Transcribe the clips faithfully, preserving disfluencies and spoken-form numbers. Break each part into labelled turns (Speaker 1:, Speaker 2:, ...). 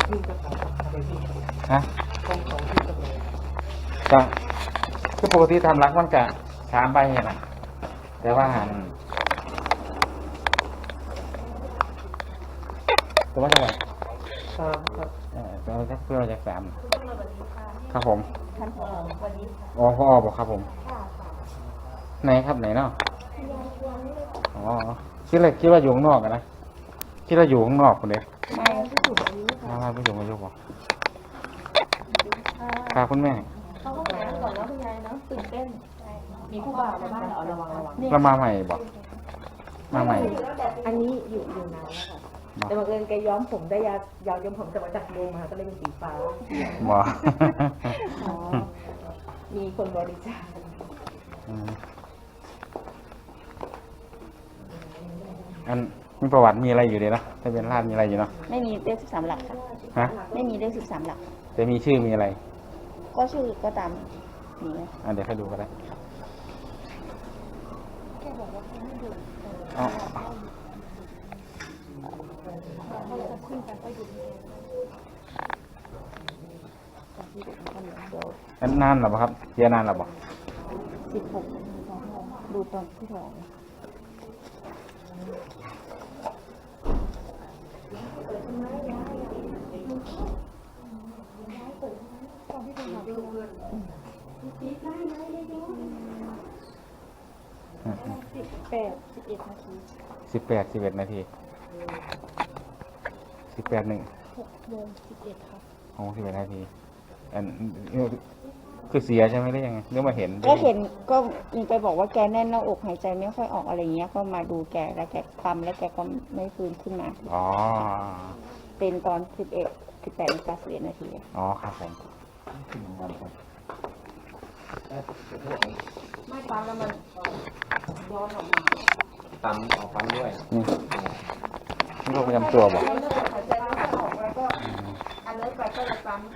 Speaker 1: ที่จะทำอะไรที่
Speaker 2: ฮะ
Speaker 1: ต้องของที่จะเลย
Speaker 2: ก็คือปกติทำรักมันจะสามใบเนี่ยนะแต่ว่าหันตัวว่าจะไหน
Speaker 1: ตามครับ
Speaker 2: เออตัวจะเพื่อจะสามครับผม
Speaker 3: ท่านผอสวัสดีค่ะ
Speaker 2: อ๋อพ่อบอกครับผม
Speaker 3: ค่ะค่ะ
Speaker 2: ไหนครับไหนเนาะอ๋อคิดอะไรคิดว่าอยู่ข้างนอกกันนะคิดว่าอยู่ข้างนอกคนเดียว
Speaker 3: ไม่ผู้สูงอายุค่ะ
Speaker 2: มาไม่อยู่ไม่อยู่บอกครับคุณแม่
Speaker 3: เขาก็หาก่อนแล้วคุณยายเนาะตื่นเต้นมีผู้บ่าวมาบ้านเหรอระวังระวัง
Speaker 2: เรามาใหม่บอกมาใหม่
Speaker 3: อันนี้อยู่อยู่นานแล้วค่ะแต่บังเอิญแกย้อมผมได้ยาวยาวย้อมผมแต่มาจากโรงมาก็เลยเป็นสีฟ้า
Speaker 2: บอก
Speaker 3: อ๋อมีคนบริจาค
Speaker 2: อืมอันมีประวัติมีอะไรอยู่ดีนะทะเบียนราษฎร์มีอะไรอยู่เนาะ
Speaker 3: ไม่มีเลขสิบสามหลักค่ะ
Speaker 2: ฮะ
Speaker 3: ไม่มีเลขสิบสามหลัก
Speaker 2: แต่มีชื่อมีอะไร
Speaker 3: ก็ชื่อก็ตามนี้
Speaker 2: อ่ะเดี๋ยวให้ดูก็ได้
Speaker 3: แกบอกว่าให้ดู
Speaker 2: อ๋อ
Speaker 3: เขาจะขึ้นไปก็อยู่ที่เดี๋ยว
Speaker 2: อันนานหรอเปล่าครับเสียนานหรอเปล่า
Speaker 3: สิบหกดูตอนที่ท้องสิบแปดสิบเอ็ดนาที
Speaker 2: สิบแปดสิบเอ็ดนาทีสิบแปดหนึ่ง
Speaker 3: หกโมงสิบเอ็ดค่ะ
Speaker 2: โอ้สิบเอ็ดนาทีอันคือเสียใช่ไหมหรือยังไงหรือมาเห็น
Speaker 3: ก็เห็นก็มีไปบอกว่าแกแน่นหน้าอกหายใจไม่ค่อยออกอะไรเงี้ยก็มาดูแกแล้วแกปั๊มแล้วแกก็ไม่ฟื้นขึ้นมา
Speaker 2: อ๋อ
Speaker 3: เป็นตอนสิบเอ็ดสิบแปดนาฬิกาสิบเอ็ดนาที
Speaker 2: อ๋อครับผม
Speaker 3: ไม่ปั๊มแล้วมันย้อนออกมา
Speaker 4: ปั๊มออกปั๊มด้วย
Speaker 2: นี่นี่โรคประจำตัวบอก
Speaker 3: หายใจไม่ค่อยออกแล้วก็อันเลิกไปก็เลยปั๊ม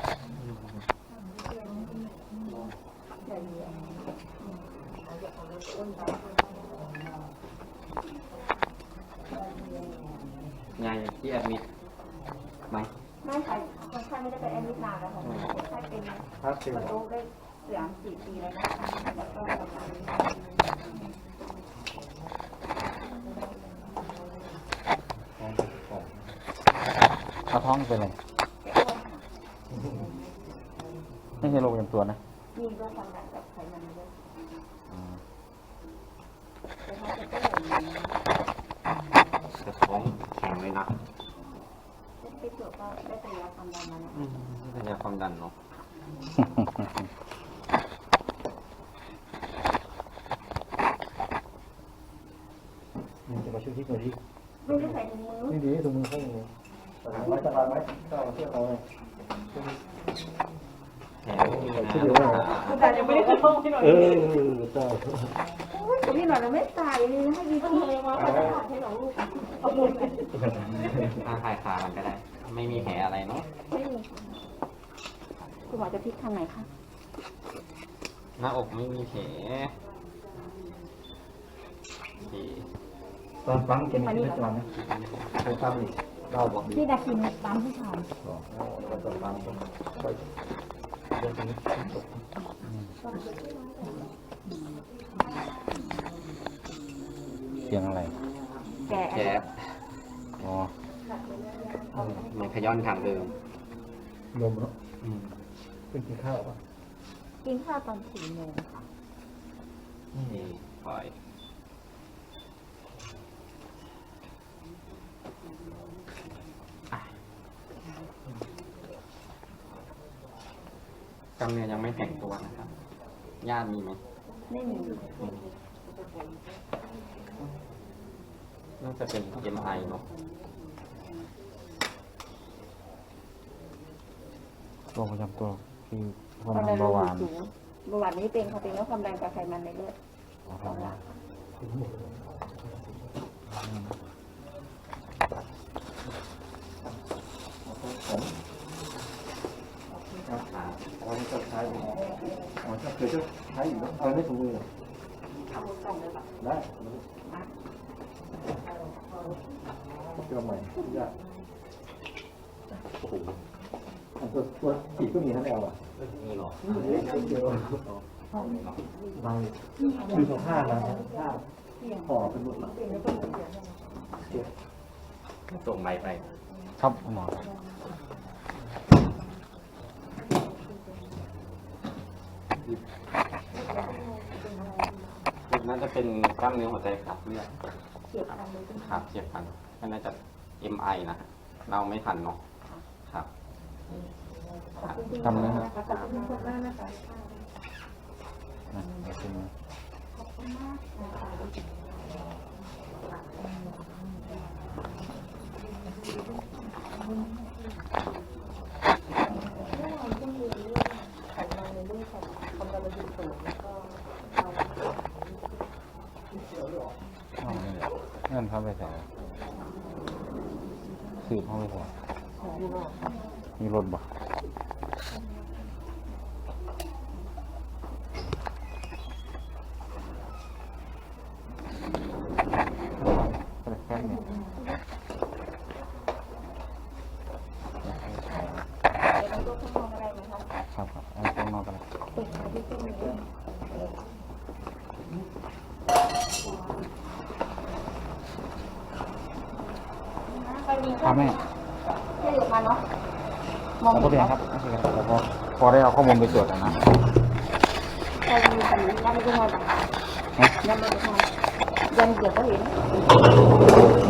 Speaker 4: ไงที่แอดมิดไหม
Speaker 3: ไม่ค่ะคนไข้ไม่ได้ไปแอดมิดนานแล้วค่ะคนไข้เป็น
Speaker 4: ครับสิ
Speaker 3: กระโดดได้สามสี่ปีแล้วนะแล้วก็ประมาณนี้
Speaker 2: เอาท้องเป็นอะไรไม่ใช่โรคประจำตัวนะ
Speaker 3: มีโรคความดันกับไขมันด้วย
Speaker 2: อืม
Speaker 3: แต่ถ้าจะเป็นอย่างนี้
Speaker 4: จะท้องแข็งเลยนะ
Speaker 3: ไปตรวจก็ได้แต่ยาความดันมานะ
Speaker 4: อืมนี่เป็นยาความดันเนาะ
Speaker 1: มันจะมาช่วยที่หน่อยดิ
Speaker 3: ไม่ได้ใส่ถุงมือ
Speaker 1: นี่ดีตรงมือเข้าเลยสบายไหมสบายไหมก็เอาเสื้อเขาเลย
Speaker 4: แข็งไม่มีนะ
Speaker 3: แต่ยังไม่ได้ขึ้นห้องที่หน่อย
Speaker 1: เออเจ้า
Speaker 3: พี่หน่อยเราไม่ตายเลยให้ดีที่เลยว่าเขาจะขาดให้เราลูกเอาบุญไป
Speaker 4: ถ้าคลายคามันก็ได้ ไม่มีแผลอะไรเนาะ
Speaker 3: ไม่มีคุณหมอจะพลิกทางไหนคะ
Speaker 4: หน้าอกไม่มีแผลโอเค
Speaker 1: ตอนฟังแกมีชีวิตประจำวันนะเคยทำอีกเราบอกดี
Speaker 3: พี่ดาคินปั๊มผู้ชาย
Speaker 1: ตอนฟังไปเรื่องนี้
Speaker 2: เสียงอะไร
Speaker 3: แก
Speaker 4: แผล
Speaker 2: อ๋อ
Speaker 4: เหมือนขย้อนทางเดิม
Speaker 1: นมเนาะ
Speaker 4: อืม
Speaker 1: เพิ่งกินข้าวป่ะ
Speaker 3: กินข้าวตอนสี่โมงค่ะ
Speaker 4: นี่ปล่อยอ่ะกล้ามเนื้อยังไม่แข็งตัวนะครับญาติมีไหม
Speaker 3: ไม่มี
Speaker 4: น่าจะเป็น เอ็ม ไอ เนอะ
Speaker 2: โรคประจำตัวคือความ
Speaker 3: ความ
Speaker 2: ดั
Speaker 3: ดั
Speaker 2: น
Speaker 3: นโล
Speaker 2: เบาห
Speaker 3: หิ
Speaker 2: วา
Speaker 3: ต
Speaker 2: น
Speaker 3: สูงเบาหวานนี้เป็นค่ะเป็นโรคความดันกับไขมันในเลือด
Speaker 2: อ๋อครับ
Speaker 4: อ่า
Speaker 1: อ๋อนี่ก็ใช้อยู่อ๋อถ้าเคยจะใช้อยู่แล้วเอาไม่ถูกมือ
Speaker 3: เอากล่องเลยค่ะ
Speaker 1: ได้เจอใหม่ยาก
Speaker 4: โอ้โห
Speaker 1: อันตัวตัวฉีดก็มีทั้งแอลอ่ะ
Speaker 4: มีหรอ
Speaker 1: เดียวใบคือสองผ้าแล้วผ้าห่อเป็นหมดแล้ว
Speaker 4: ส่งใบไป
Speaker 2: ครับหมอ
Speaker 4: น่าจะเป็นกล้ามเนื้อหัวใจขาดเลือดครับเจ็บพันก็น่าจะ เอ็ม ไอ นะ เราไม่ทันเนาะครับ
Speaker 2: ทำนะครับ
Speaker 3: ขอบคุณมากนะคะ
Speaker 2: อ่ะเดี๋ยวขึ้นมา อ๋อเงินเข้าไปใส่สืบเข้าไปใส่มีรถบ่ก็เลยแค่นี้
Speaker 3: เดี๋ยวเราต้องทำอะไรไหมคะ
Speaker 2: ครับครับเอาตรงนอกกันเลย
Speaker 3: เปิดมาที่ตรงนี้ด้วย
Speaker 2: ครับแม่
Speaker 3: ให้เดี๋ยวมาเนาะมอง
Speaker 2: ผมก็เรียนครับโอเคครับแล้วก็พอได้เอาข้อมูลไปตรวจแล้วนะ
Speaker 3: ใครมีแบบนี้ยังไม่ได้ทำยังไม่ได้ทำยังเดี๋ยวก็เห็น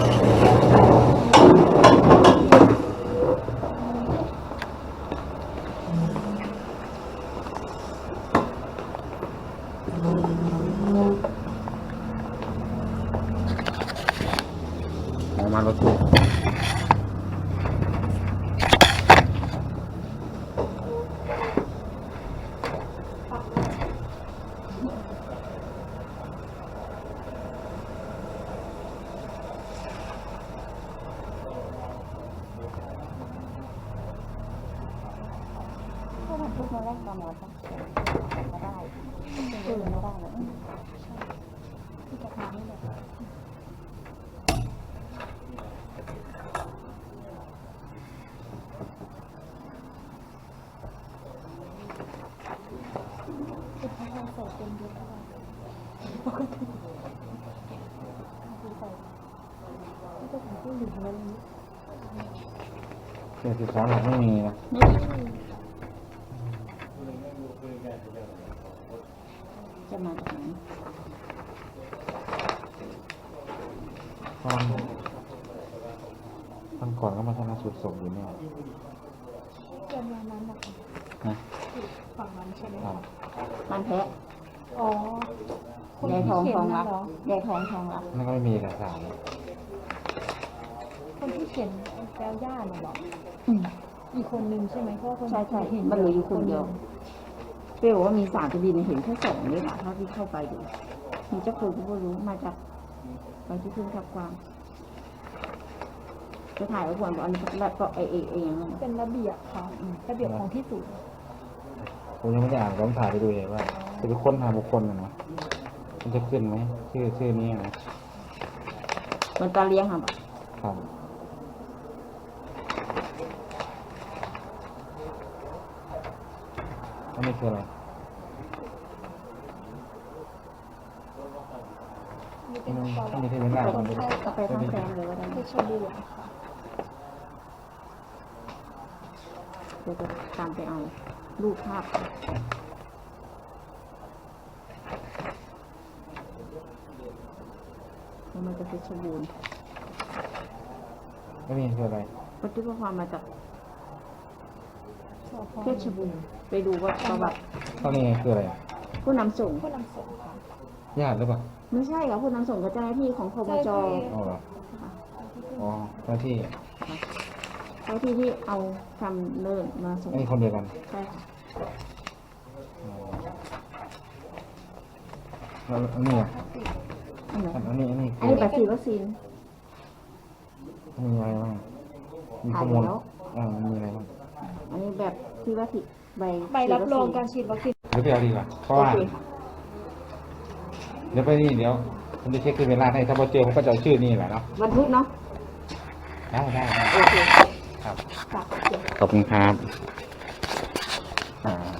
Speaker 2: หมอมารถตู้
Speaker 3: ถ้ามันพูดมาแรกตอนหมอสักก็ได้ตื่นไม่ได้เลยที่จะทำนี่แหละ
Speaker 2: เจ็ดสิบสองหลักไม่มีนะ
Speaker 3: จะมาจากไหน
Speaker 2: ตอนตอนก่อนก็มาชนะสุดศพอยู่เนี่ย
Speaker 5: เกินวันนั้นนะคะ
Speaker 2: นะ
Speaker 5: ฝั่งนั้นใช่ไหม
Speaker 2: ครั
Speaker 5: คะ
Speaker 2: บ
Speaker 3: มันแพ้
Speaker 5: อ๋อ คน
Speaker 3: ยาย
Speaker 5: ที่
Speaker 3: ทอง
Speaker 5: เขีย
Speaker 3: ท
Speaker 5: น
Speaker 3: อง
Speaker 5: นั่
Speaker 3: รั
Speaker 5: น
Speaker 3: ก
Speaker 5: เหรอย
Speaker 3: ายทองทองรัก
Speaker 2: นั่นก็ไม่มีเอกสารเลย
Speaker 5: คนที่เขียนแก้วย่าน่ะเหรอ
Speaker 3: อืม
Speaker 5: อีกคนนึงใช่ไหมเพราะว่าคน
Speaker 3: ใช่ใช่
Speaker 5: เห็น
Speaker 3: มันเหลืออยู่คนเดียวเปรี้ยวว่ามีสารคดีในเห็นแค่สองนี่แหละเท่าที่เข้าไปดูมีเจ้าคือก็รู้มาจากไปที่พึ่งทับความจะถ่ายไว้ก่อนว่าอันนี้แบบก็เอเอเองนั่น
Speaker 5: เป็นระเบียบค่ะระเบียบของที่สูง
Speaker 2: ผมยังไม่ได้อ่านผมถ่ายไปดูเองว่าจะไปค้นหาบุคคลนะนะมันจะขึ้นไหมชื่อชื่อนี้นะ
Speaker 3: มันตาเลี้ยงค่ะ
Speaker 2: ครับอันนี้คืออะไร
Speaker 5: มี
Speaker 2: อั
Speaker 5: เป็น น
Speaker 2: นี้
Speaker 5: ปอ
Speaker 2: อันนี้ที่เป็นหน้า
Speaker 3: ไป
Speaker 2: คนนี้
Speaker 3: ก็ไปทั้งแฟนเลยก็ได้
Speaker 5: เพชรบูรณ์ค่ะ
Speaker 3: เดี๋ยวจะตามไปเอารูปภาพแล้วมันจะเพชรบูรณ์
Speaker 2: ไม่มีคืออะไร
Speaker 3: ปฏิบัติความมาจาก
Speaker 5: สพ
Speaker 3: เพชรบูรณ์ไปดูว่าประวัติ
Speaker 2: ตอนนี้คืออะไร
Speaker 3: ผู้นำส่ง
Speaker 5: ผู้นำส่งค่ะ
Speaker 2: ญาติหรือเปล่า
Speaker 3: ไม่ใช่ค่ะผู้นำส่งกับเจ้าหน้าที่ของคมจ
Speaker 2: อ๋อเหรออ๋อเจ้าที่
Speaker 3: เจ้าที่ที่เอาทำเนินมาส่ง
Speaker 2: อันนี้คนเดียวกัน
Speaker 3: ใช่ค่ะ
Speaker 2: อ๋อแล้วอันนี้อ่ะ
Speaker 3: อันไหน
Speaker 2: อันนี้อันนี้
Speaker 3: อัน
Speaker 2: คือ
Speaker 3: นี้บัตรฉีดวัคซีน
Speaker 2: มีอะไรบ้างมีข้อมูลอ่ามีอะไรบ้าง
Speaker 3: อันนี้แบบที่ว่าฉีดใบ
Speaker 5: ใบรับรองการ
Speaker 3: ฉีด
Speaker 5: ฉีดวัคซีน
Speaker 2: เดี๋ยวไปเอาดีกว่าเพราะ
Speaker 3: วัค
Speaker 2: ว่า
Speaker 3: ซีนโอเคค่ะ
Speaker 2: เดี๋ยวไปนี่เดี๋ยวผมจะเช็คคือเวลาให้ถ้าพอเจอผมก็จะเอาชื่อนี่แหละเนาะ
Speaker 3: วันพุธเนาะ
Speaker 2: ได้ได้ได้
Speaker 3: โอเค
Speaker 2: คครับ
Speaker 5: ฝากเขียน
Speaker 2: ขอบคุณครับ อ่า